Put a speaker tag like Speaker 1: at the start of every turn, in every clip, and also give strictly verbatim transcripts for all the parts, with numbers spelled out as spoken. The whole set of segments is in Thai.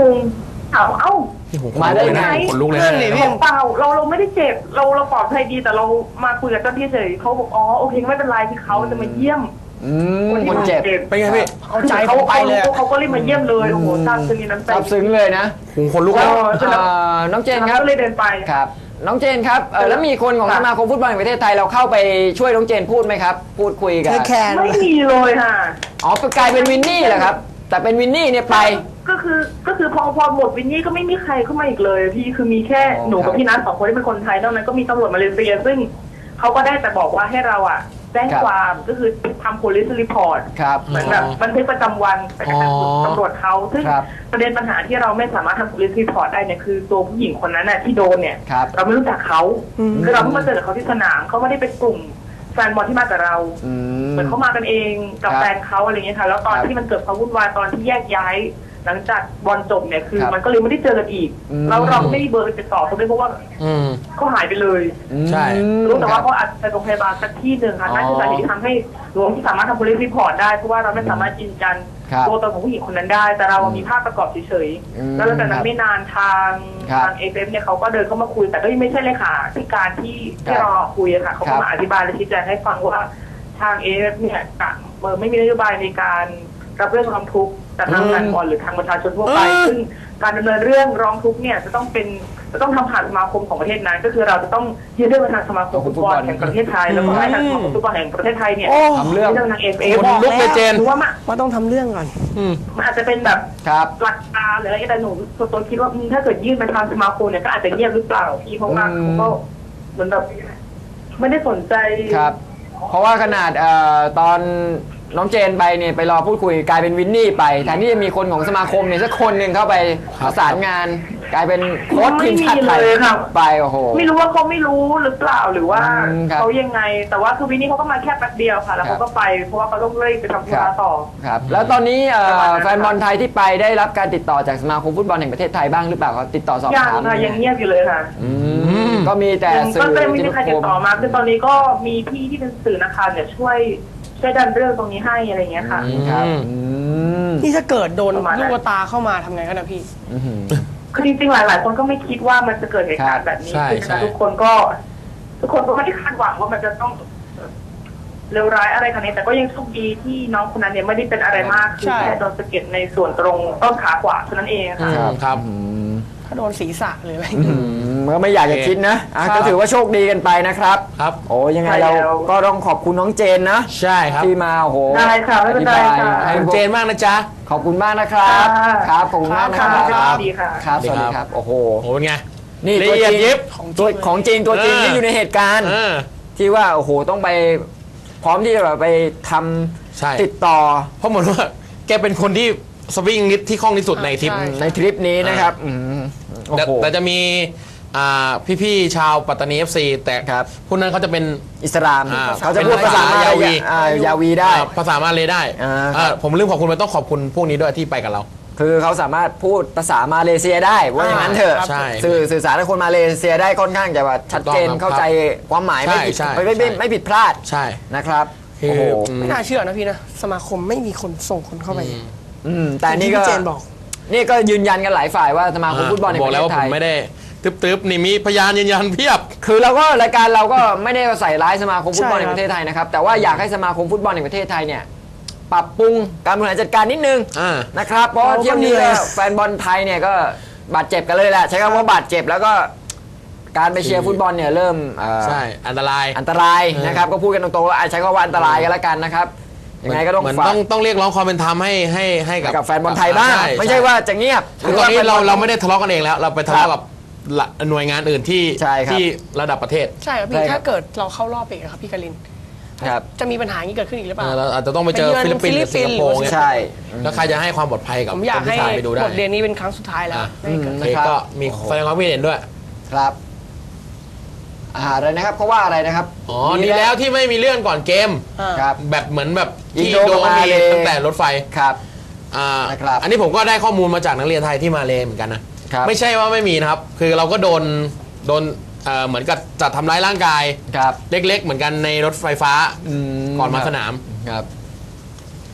Speaker 1: งงถามเอ้า
Speaker 2: มาได้ไง
Speaker 3: คนลุกเลย
Speaker 1: พี่เปล่าเราเราไม่ได้เจ็บเราเราปลอดภัยดีแต่เรามาคุยกับเจ้าที่เฉยเขาบอกอ๋อโอเคไม่เป็นไรที่เขาจะมาเยี่ยม
Speaker 2: คนเจ็บ
Speaker 3: เป็นไงพี่
Speaker 1: เขาใจเขาไปเลยเขาก็รีบมาเยี่ยมเลยโอ้โหซาบซึ้งน้ำใจ
Speaker 2: ซาบซึ้งเลยนะ
Speaker 3: คนลุกแล้ว
Speaker 2: น้องเจนครับ
Speaker 1: ก็เลยเดินไป
Speaker 2: ครับน้องเจนครับแล้วมีคนของสมาคมฟุตบอลแห่งประเทศไทยเราเข้าไปช่วยน้องเจนพูดไหมครับพูดคุยกัน
Speaker 1: ไม่มีเลยค่ะ
Speaker 2: อ๋อกลายเป็นวินนี่เหรอครับแต่เป็นวินนี่เนี่ยไป
Speaker 1: ก็คือก็คือพอพอหมดวินนี่ก็ไม่มีใครเข้ามาอีกเลยพี่คือมีแค่หนูกับพี่นัทสองคนที่เป็นคนไทยนอกนั้นก็มีตำรวจมาเลเซียซึ่งเขาก็ได้แต่บอกว่าให้เราอ่ะแจ้งความก็คือทำ police report เหมือนแบบบันทึกประจำวันไปกับตำรวจเขาซึ่งประเด็นปัญหาที่เราไม่สามารถทำ police report ได้เนี่ยคือตัวผู้หญิงคนนั้นน่ะที่โดนเนี่ยเราไม่รู้จักเขาคือเราเพิ่งมาเจอเขาที่สนามเขาไม่ได้เป็นกลุ่มแฟนบอลที่มากับเราเหมือนเขามากันเองกับแฟนเขาอะไรเงี้ยค่ะแล้วตอนที่มันเกิดความวุ่นวายตอนที่แยกย้ายหลังจากบอลจบเนี่ยคือมันก็เลยไม่ได้เจอกันอีกเราเราไม่ได้เบอร์ติดต่อเขาด้วยเพราะว่าเขาหายไปเลย
Speaker 3: ใช่
Speaker 1: รู้แต่ว่าเขาอาจจะไปโรงพยาบาลสักที่หนึ่งค่ะนั่นคือสาเหตุที่ทำให้หลวงที่สามารถทำ police report ได้เพราะว่าเราไม่สามารถยืนยันตัวตนของผู้หญิงคนนั้นได้แต่เรามีภาพประกอบเฉยๆแล้วหลังจากนั้นไม่นานทางทางเอฟเอฟเนี่ยเขาก็เดินเข้ามาคุยแต่ก็ยังไม่ใช่เลยค่ะที่การที่ที่เราคุยอะค่ะเขาก็มาอธิบายและชี้แจงให้ฟังว่าทางเอฟเอฟเนี่ยไม่มีนโยบายในการรับเรื่องร้องทุกข์จากทางการบอลหรือทางประชาชนทั่วไปซึ่งการดำเนินเรื่องร้องทุกข์เนี่ยจะต้องเป็นจะต้องทำผ่านสมาคมของประเทศนั้นก็คือเราจะต้องยื่นเรื่องไปทางสมาคมฟุตบอลแห่งประเทศไทยแล้วก็ให้ทางสมาคมฟุตบอลแห่งประเทศไทยเนี่ย
Speaker 2: ทำเรื่อง
Speaker 1: ทางเอฟเอฟ
Speaker 3: บอกลุกเลยเจน
Speaker 1: ว่า
Speaker 4: ว่าต้องทำเรื่องก่อน
Speaker 1: มันอาจจะเป็นแบบหลักการหรืออะไรแต่หนูส่วนตัวคิดว่าถ้าเกิดยื่นไปทางสมาคมเนี่ยก็อาจจะเงียบหรือเปล่าพี่เพราะว่าเขาก็เหมือนแบบไม่ได้สนใจ
Speaker 2: ครับเพราะว่าขนาดตอนน้องเจนไปเนี่ยไปรอพูดคุยกลายเป็นวินนี่ไปแทนที่จะมีคนของสมาคมเนี่ยสักคนหนึ่งเข้าไปประสานงานกลายเป็นโค้ชทีมชาติไทยไปโอ้โห
Speaker 1: ไม่รู้ว่าเขาไม่รู้หรือเปล่าหรือว่าเขายังไงแต่ว่าคือวินนี่เขาก็มาแค่แป๊บเดียวค่ะแล้วเขาก็ไปเพราะว่าเขาต้องเร่งไปทำธุระต่อ
Speaker 2: ครับแล้วตอนนี้แฟนบอลไทยที่ไปได้รับการติดต่อจากสมาคมฟุตบอลแห่งประเทศไทยบ้างหรือเปล่าครับติดต่อสอบถาม
Speaker 1: ยังค่ะยังเงียบอยู่เลยค่ะ
Speaker 2: ก็มีแต่สื่อ
Speaker 1: ก็ไม่มีใครติดต่อมาคือตอนนี้ก็มีพี่ที่เป็นสื่อนะคะเนี่ยช่วยช่วยดันเรื่องตรงนี้ให้อะไรเงี้ยค่ะ
Speaker 2: ครับ
Speaker 4: นี่ถ้าเกิดโดนลูกตาเข้ามาทำไงกันนะพี่
Speaker 1: คือจริงๆหลายๆคนก็ไม่คิดว่ามันจะเกิดเหตุการณ์แบบนี้คือทุกคนก็ทุกคนก็ไม่ได้คาดหวังว่ามันจะต้องเลวร้ายอะไรขนาดนี้แต่ก็ยังโชคดีที่น้องคนนั้นเนี่ยไม่ได้เป็นอะไรมากคือแค่โดนสะเก็ดในส่วนตรงต้นขาขวาเท่านั้นเองค่ะ
Speaker 2: ครับ
Speaker 4: ถ้าโดนศีรษะหรืออะไร
Speaker 2: ก็ไม่อยากจะคิดนะก็ถือว่าโชคดีกันไปนะครับ
Speaker 3: ครับ
Speaker 2: โอ้ยังไงเราก็ต้องขอบคุณน้องเจนนะ
Speaker 3: ใช่ครับ
Speaker 2: ที่มาโอ้โห
Speaker 1: ได้ค่ะไม่เป็นไรค่ะ
Speaker 3: ขอบคุณเจนมากนะจ๊ะ
Speaker 2: ขอบคุณมากนะครับครับขอบคุณมากนะครับ
Speaker 1: สวัสดีค่ะ
Speaker 2: ครับสวัสดีครับโอ้โห
Speaker 3: โอ้เป็นไง
Speaker 2: นี่ตัวจริงตัวของจริงตัวจริงที่อยู่ในเหตุการณ์ที่ว่าโอ้โหต้องไปพร้อมที่จะแบบไปทำติดต่อ
Speaker 3: เพราะเหมือนว่าแกเป็นคนที่สวิงนิดที่คล่องที่สุดในทริป
Speaker 2: ในทริปนี้นะครับ
Speaker 3: แต่จะมีพี่ๆชาวปัตตานี เอฟ ซี แต่พวกนั้นเขาจะเป็น
Speaker 2: อิสลามเขาจะพูดภาษายาวียาวีได้
Speaker 3: ภาษามาเลยได้ผมลืมขอบคุณไปต้องขอบคุณพวกนี้ด้วยที่ไปกับเรา
Speaker 2: คือเขาสามารถพูดภาษามาเลเซียได้ว่าอย่างนั้นเถอะสื่อสื่อสารกับคนมาเลเซียได้ค่อนข้างจะว่าชัดเจนเข้าใจความหมายไม่ผิดไม่ไม่ไม่ผิดพลาด
Speaker 3: ใช่
Speaker 2: นะครับ
Speaker 4: โอ้โหไม่น่าเชื่อนะพี่นะสมาคมไม่มีคนส่งคนเข้าไป
Speaker 2: อืมแต่นี่ก็
Speaker 4: เจนบอก
Speaker 2: นี่ก็ยืนยันกันหลายฝ่ายว่าสมาคมฟุตบอลในประเทศไทย
Speaker 3: บอกแล้วว่าผมไม่ได้ตึ๊บๆนี่มีพยานยืนยันเพียบ
Speaker 2: คือเราก็รายการเราก็ไม่ได้ใส่ร้ายสมาคมฟุตบอลในประเทศไทยนะครับแต่ว่าอยากให้สมาคมฟุตบอลในประเทศไทยเนี่ยปรับปรุงการบริหารจัดการนิดนึงนะครับเพราะเที่ยวนี้แฟนบอลไทยเนี่ยก็บาดเจ็บกันเลยแหละใช้คำว่าบาดเจ็บแล้วก็การไปเชียร์ฟุตบอลเนี่ยเริ่ม
Speaker 3: ใช่อันตราย
Speaker 2: อันตรายนะครับก็พูดกันตรงๆว่าใช้คำว่าอันตรายกันแล้วกันนะครับยังไงก็ต้อง
Speaker 3: ต้องต้องเรียกร้องความเป็นธรรมให้ให้ให้
Speaker 2: กับแฟนบอลไทยบ้างไม่ใช่ว่าจะเงียบ
Speaker 3: คือตอนนี้เราเราไม่ได้ทะเลาะกันเองแล้วเราไปทะเลาะกับหน่วยงานอื่นที่ที่ระดับประเทศ
Speaker 4: ใช่ครับพี่ถ้าเกิดเราเข้ารอบอีกครับพี่กลินจะมีปัญหานี้เกิดขึ้นอีกหรือเปล่า
Speaker 3: เราอาจจะต้องไปเจอฟิลิปปินส์หรือสิงคโปร์เนี่ย
Speaker 2: ใช่
Speaker 3: แล้วใครจะให้ความปลอดภัยกับ
Speaker 4: ผมอยากให้บทเรียนนี้เป็นครั้งสุดท้ายแล้ว
Speaker 3: ก็มีแสดงความคิดเห็นด้วย
Speaker 2: ครับอะไรนะครับเขาว่าอะไรนะครับ
Speaker 3: อ๋อดีแล้วที่ไม่มีเลื่อนก่อนเกมครับแบบเหมือนแบบที่โดนมีตั้งแต่รถไฟ
Speaker 2: ครับ
Speaker 3: อ่าอันนี้ผมก็ได้ข้อมูลมาจากนักเรียนไทยที่มาเลเหมือนกันนะไม่ใช่ว่าไม่มีนะครับคือเราก็โดนโดนเหมือนกับจัดทำร้ายร่างกายเล็กๆเหมือนกันในรถไฟฟ้าก่อนมาสนาม
Speaker 2: ครับ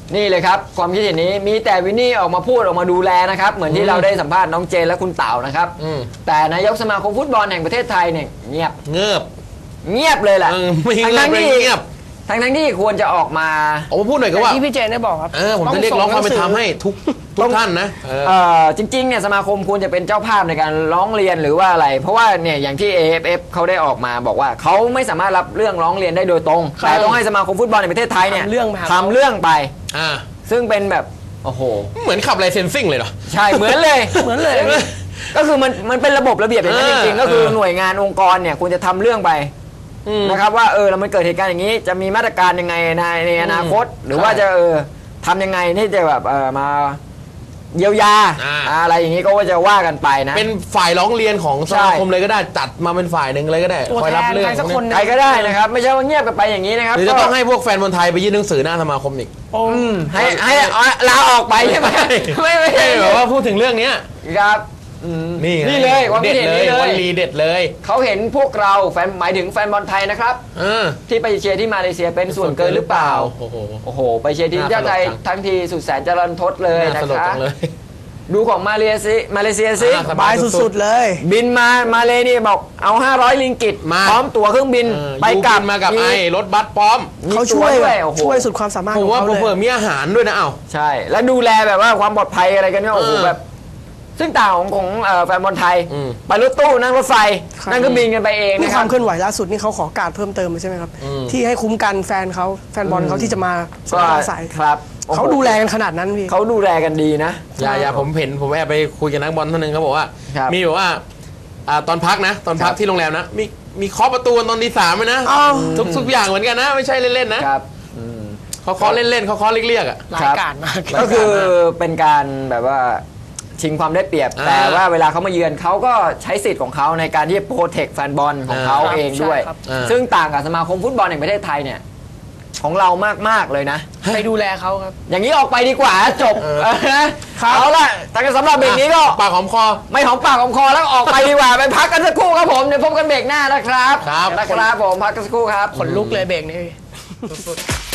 Speaker 2: นี่เลยครับความคิดเห็นนี้มีแต่วินนี่ออกมาพูดออกมาดูแลนะครับเหมือนที่เราได้สัมภาษณ์น้องเจนและคุณเต๋านะครับ
Speaker 3: อืม
Speaker 2: แต่นายกสมาคมฟุตบอลแห่งประเทศไทยเนี่ยเงียบ
Speaker 3: เงือบ
Speaker 2: เงียบเลยแหละ
Speaker 3: เออไม่
Speaker 2: ทั้ง
Speaker 3: เงือบ
Speaker 2: ทั้ง
Speaker 3: ไม่
Speaker 2: ที่
Speaker 3: เงียบ
Speaker 2: ทั้งทั้งที่ควรจะออกมา
Speaker 3: ออกมาพูดหน่อยก็ว่า
Speaker 4: ที่พี่เจนได้บอกครับ
Speaker 3: เออผมจะเรียกร้องความเป็นธรรมให้ทุกทุกท่านนะเออ
Speaker 2: เอ่อจริงๆเนี่ยสมาคมควรจะเป็นเจ้าภาพในการร้องเรียนหรือว่าอะไร เพราะว่าเนี่ยอย่างที่ เอ เอฟ เอฟ เขาได้ออกมาบอกว่าเขาไม่สามารถรับเรื่องร้องเรียนได้โดยตรง
Speaker 4: ครับ
Speaker 2: แต่ต้องให้สมาคมฟุตบอลในประเทศไทยเนี่ย
Speaker 4: ทำเรื่องไปหาเขา
Speaker 2: ทำเรื่องไป
Speaker 3: อ่า
Speaker 2: ซึ่งเป็นแบบโอ้โห
Speaker 3: เหมือนขับไลเซนซิ่งเลยเหรอ
Speaker 2: ใช่เหมือนเลย
Speaker 4: เหมือนเลย
Speaker 2: ก็คือมันมันเป็นระบบระเบียบอย่างนั้น
Speaker 3: เอ
Speaker 2: จ
Speaker 3: อ
Speaker 2: ริงๆก็คือ
Speaker 3: เออ
Speaker 2: หน่วยงานองค์กรเนี่ยควรจะทำเรื่องไป
Speaker 3: อืม
Speaker 2: นะครับว่าเออแล้วมันเกิดเหตุการณ์อย่างนี้จะมีมาตรการยังไงในในอนาคต หรือว่าจะเออทำยังไงที่จะแบบเออมาเยียวยา
Speaker 3: อ่า
Speaker 2: อะไรอย่างนี้ก็ว่าจะว่ากันไปนะ
Speaker 3: เป็นฝ่ายร้องเรียนของส
Speaker 2: ใช่
Speaker 3: มาคมเลยก็ได้จัดมาเป็นฝ่ายหนึ่งเลยก็ได้
Speaker 4: ตัว
Speaker 3: คอย
Speaker 4: แท
Speaker 3: รับ
Speaker 4: น
Speaker 3: เรื่อง
Speaker 4: ใครสักคนหนึ่ง
Speaker 2: ใครก็ได้นะครับ ไม่ใช่ว่าเงียบกันไปอย่างนี้นะครับ
Speaker 3: หรือจะต้องให้พวกแฟนบอลไทยไปยื่นหนังสือหน้าสมาคมอีก
Speaker 4: โอ้
Speaker 2: อืมให้ให้เอาลาออกไปใช่ไหมไม่ไม่
Speaker 3: ให้
Speaker 2: ใช่
Speaker 3: แบบว่าพูดถึงเรื่องเนี้ย
Speaker 2: ครับอืม
Speaker 3: นี่ไง
Speaker 2: นี่เลยความ
Speaker 3: เด็
Speaker 2: คิด
Speaker 3: ด
Speaker 2: เห็น
Speaker 3: เลย
Speaker 2: นี้เล
Speaker 3: วัน
Speaker 2: ย
Speaker 3: ลีเด็ดเลย
Speaker 2: เขาเห็นพวกเราแฟนหมายถึงแฟนบอลไทยนะครับ
Speaker 3: เออ
Speaker 2: ที่ไปเชียร์ที่มาเลเซียเป็นส่วนเกินหรือเปล่า
Speaker 3: โอ้โห
Speaker 2: โอ้โห ไปเชียร์ทีมชาติไทย
Speaker 3: น่าสลดจัง
Speaker 2: ทั้งทีสุดแสนจะรันทดเลย
Speaker 3: น่า
Speaker 2: นะ
Speaker 3: สลด
Speaker 2: คะ
Speaker 3: จังเลย
Speaker 2: ดูของมาเลเซียมาเลเซียสิ
Speaker 3: อ่า
Speaker 4: สบายสุดๆเลย
Speaker 2: บินมามาเลนี่บอกเอาห้าร้อยลิงกิต
Speaker 3: มา
Speaker 2: พร้อมตั๋วเครื่องบิน
Speaker 3: เออ
Speaker 2: ไปกลับ
Speaker 3: ยูบินมากับไอ้รถบัสพร้อม
Speaker 2: มี
Speaker 4: เขาช่วย
Speaker 2: ตั๋
Speaker 4: แบบ
Speaker 2: โอ้โห
Speaker 4: ช่วยสุดความสามารถ
Speaker 3: ผ
Speaker 4: ข
Speaker 3: ม
Speaker 4: อง
Speaker 3: ว่า
Speaker 4: เขาเลย
Speaker 3: เผื่อๆมีอาหารด้วยนะเอ้า
Speaker 2: ใช่ แล้วดูแลแบบว่าความปลอดภัยอะไรกันเนี่ยโอ้โห
Speaker 3: เออ
Speaker 2: แบบ ซึ่งต่างของของเอ่อแฟนบอลไทย
Speaker 3: อืม
Speaker 2: ไปรถตู้นั่งรถไฟ นั่งเครื่องบินกันไปเอง
Speaker 4: นี่
Speaker 2: นะ
Speaker 4: ค
Speaker 2: ครั
Speaker 4: วา
Speaker 2: บ
Speaker 4: มเคลื่อนไหวล่าสุดนี่เขาขอการเพิ่มเติมเลยใช่ไหมครับ
Speaker 3: อืม
Speaker 4: ที่ให้คุ้มกันแฟนเขาแฟนบอลเขาที่จะมาส
Speaker 2: ก็
Speaker 4: นามอาศัย
Speaker 2: ครับโอ้โห
Speaker 4: เขาดูแลกันขนาดนั้นพี่
Speaker 2: เขาดูแลกันดีนะ
Speaker 3: อย่าอย่าผมเห็นผมแอบไปคุยกับนักบอลท่านหนึงเขาบอกว่า
Speaker 2: ครับ
Speaker 3: มีแบบว่าอ่าตอนพักนะ ตอนพั
Speaker 2: ค
Speaker 3: ก
Speaker 2: รับ
Speaker 3: ที่โรงแรมนะ มีมีเคาะประตูตอนตีสามเลยนะ
Speaker 4: อ้าว
Speaker 3: ทุกทุกอย่างเหมือนกันนะ ไม่ใช่เล่นๆนะครับ
Speaker 2: อืม
Speaker 3: เขาเคาะเล่นๆเขาเคาะเรียกๆอ่ะ
Speaker 4: รายการมาก
Speaker 2: ก็คือเป็นการแบบว่าชิงความได้เปรียบ
Speaker 3: อ่า
Speaker 2: แต่ว่าเวลาเขามาเยือนเขาก็ใช้สิทธิ์ของเขาในการที่จะโปรเทคแฟนบอลของเขา
Speaker 3: อ่า
Speaker 2: เองด้วย
Speaker 4: ใช่ครับ
Speaker 3: อ่า
Speaker 2: ซึ่งต่างกับสมาคมฟุตบอลแห่งประเทศไทยเนี่ยของเรามากๆเลยนะ
Speaker 4: ไปดูแลเขาครับ
Speaker 2: อย่างนี้ออกไปดีกว่าจบ
Speaker 3: เออ
Speaker 2: เออนะเอาละแต่สำหรับเบรกนี้ก็
Speaker 3: ปากหอมคอ
Speaker 2: ไม่หอมปากหอมคอแล้วออกไปดีกว่า ไปพักกันสักครู่ครับผมเดี๋ยวพบกันเบรกหน้านะครับ
Speaker 3: ครับ
Speaker 2: นะครับผมพักกันสักครู่ครับ
Speaker 4: ขนลุกเลยเบรกนี้
Speaker 3: สุดๆ